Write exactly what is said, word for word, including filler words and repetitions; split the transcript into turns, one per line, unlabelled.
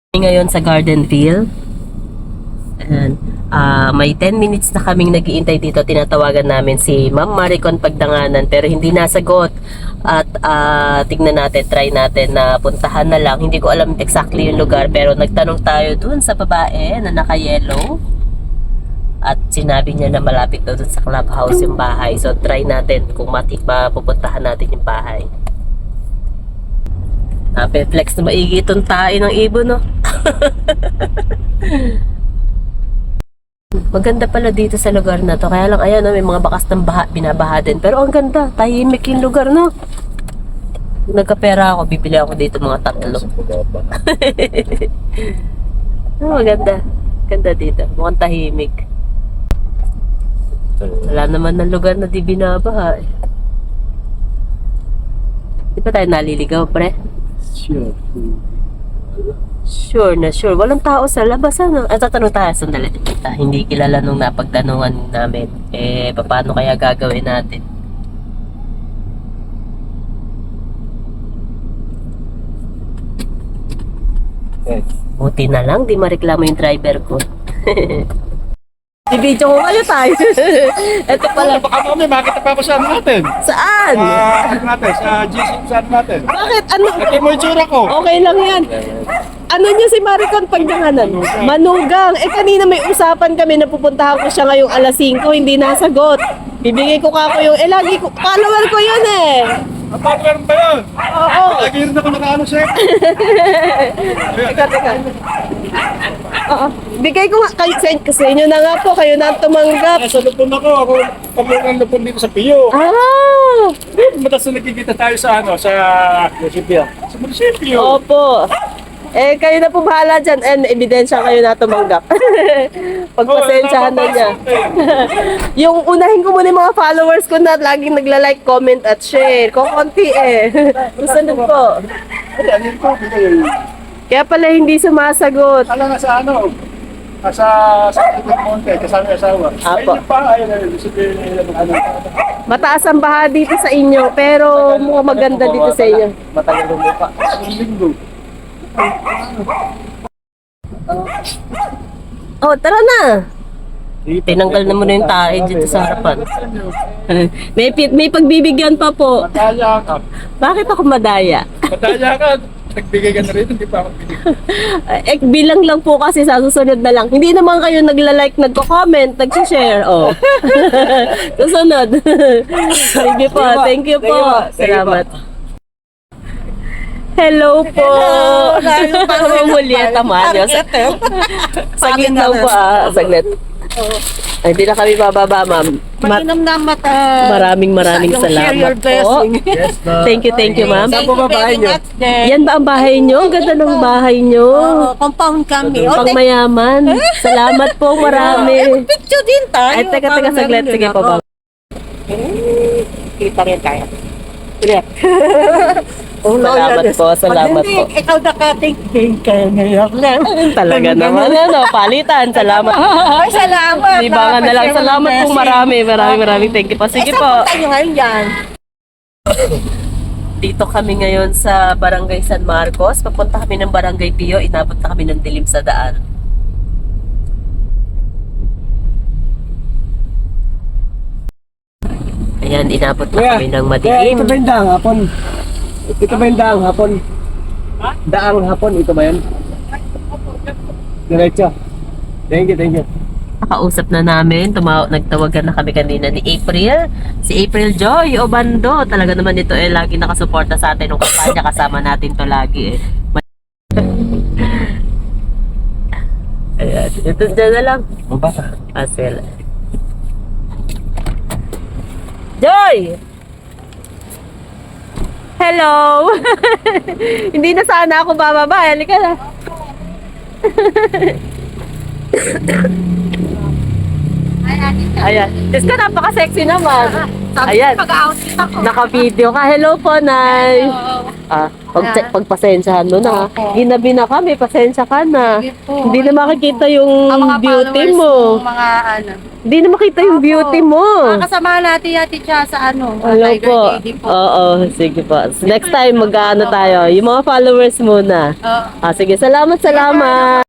Ngayon sa Gardenville. And, uh, may ten minutes na kaming nag-iintay dito. Tinatawagan namin si Ma'am Maricon Pagdanganan pero hindi nasagot. At uh, tignan natin, try natin na puntahan na lang. Hindi ko alam exactly yung lugar pero nagtanong tayo dun sa babae na naka-yellow. At sinabi niya na malapit daw dun sa clubhouse yung bahay. So try natin kung matik mapupuntahan natin yung bahay. Nape-flex na maigi itong tae ng ibon, no? Maganda pala dito sa lugar na to. Kaya lang, ayan, no, may mga bakas ng baha, binabaha din. Pero ang ganda, tahimik yung lugar, no? Kung nagkapera ako, bibili ako dito mga tatlo. Oh, maganda. Ganda dito. Mukhang tahimik. Wala naman ng lugar na di binabaha. Eh. Di ba tayo naliligaw, pre?
Sure.
Sure na sure. Walang tao sa labas, ano? At tatanong tayo, sandali. Ah, hindi kilala nung napagtanungan namin. Eh, paano kaya gagawin natin?
Okay.
Buti na lang, di mareklamo yung driver ko. I-video ko kayo tayo. Ito pala.
Baka kami, makita pa ako sa ano natin.
Saan?
Sa ano natin, sa G C sa ano natin.
Bakit? Ano?
Lagi mo yung tsura ko.
Okay lang yan. Ano niya si Maricon Pagdanganan? Manugang. Eh kanina may usapan kami na pupuntahan ko siya ngayong alas singko, hindi nasagot. Bibigay ko ka ko yung, eh lagi ko, follower ko yun eh.
Napapagano ba yun?
Oo.
Lagi rin ako nakaano sa'yo.
Teka, teka. Oo. Bigay ko nga, kayo, sa, sa inyo na nga po, kayo na ang tumanggap.
Nasa lupon ako, ako pamulang lupon dito sa Pio.
Ah!
Matas na nagkikita tayo sa ano, sa munisipyo. Sa munisipyo.
Opo. Eh, kayo na po bahala dyan. And ebidensya kayo na tumanggap. Pagpasensyahan na niya. Yung unahin ko muna yung mga followers ko na laging nagla-like, comment at share. Kung konti eh. Susunod po.
Ay, ano ko, bigay.
Kaya pala hindi sumasagot.
Alam nga sa ano, sa sa Tibet Monte, kasama yung asawa.
Apo.
Ayun pa, ayun, ayun, sabihin nila ng ano.
Mataas ang baha dito sa inyo, pero mukhang maganda dito sa inyo.
Matagal ng mukha. Ang linggo.
Oh, tara na! Tinanggal na muna yung tae dito sa harapan. may, pi- may pagbibigyan pa po.
Madaya ka.
Bakit ako madaya?
Madaya ka. Nagbigay ka na rin, hindi pa ako binigay.
Eh, bilang lang po kasi sa susunod na lang. Hindi naman kayo nagla-like, nagko-comment, nag-share. Oh. Susunod. Sige po. Thank you po. Salamat. Hello po. Hello. Julieta Manos. Saglit lang po ah. Saglit. Ay, hindi na kami bababa, ma'am. Ma-
Mainam na mata.
maraming maraming
Share
salamat
your
po.
blessing.
Yes, ma'am.
Thank you, thank you, ma'am.
Saan po ba bahay niyo?
Yan ba ang bahay nyo? Ang ganda ng bahay nyo.
Oo, compound kami. O,
Pang
tek-
mayaman. Salamat po,
eh,
marami.
picture din tayo.
Ay, teka, teka,
Parang
saglit.
meron
Sige
din
po
ako.
ba?
Kita rin tayo.
Salamat po, salamat
Hindi,
po.
ikaw nakatingin kayo ngayon lang.
Talaga naman, ano, palitan. Salamat.
Ay, salamat.
Libangan na lang.
Napashare
Salamat
ng
po,
blessing.
marami. Maraming maraming thank you po. Sige
eh, saan
po.
punta nyo ngayon yan?
Dito kami ngayon sa Barangay San Marcos. Papunta kami ng Barangay Pio. Inabot na kami ng dilim sa daan. Ayan, inabot na
Kuya,
kami ng
Kaya
madilim.
ito ba yung daang hapon? Ito ba yung daang hapon? Daang hapon, ito ba yan? Diretso. Thank you, thank you.
Nakausap na namin, tumaw nagtawagan na kami kanina ni April. Si April Joy Obando. Talaga naman ito eh, lagi nakasuporta sa atin ng kampanya. Kasama natin to lagi eh. Ayan, ito dyan na lang.
Baba.
Asel. Joy! Hello! Hindi na sana ako bababa. Halika na. Ayan. Diyos ka, napaka-sexy naman. Ayan.
Pag-outfit ako.
Naka-video ka. Hello po, Nay. Ah, pag
Ah.
pagpasensyahan mo na. ha.
Opo.
Ginabi na kami, pasensya ka na.
Sige po.
Hindi na makikita yung
Ang mga
beauty
followers
mo.
ng mga ano.
Hindi na makita yung
Opo.
beauty mo.
Makakasama natin yati siya sa ano.
Hello
Tiger
po.
Lady po.
Oo, sige po. Next time mag-ano tayo. Yung mga followers muna.
Oo.
Ah, sige, salamat, salamat.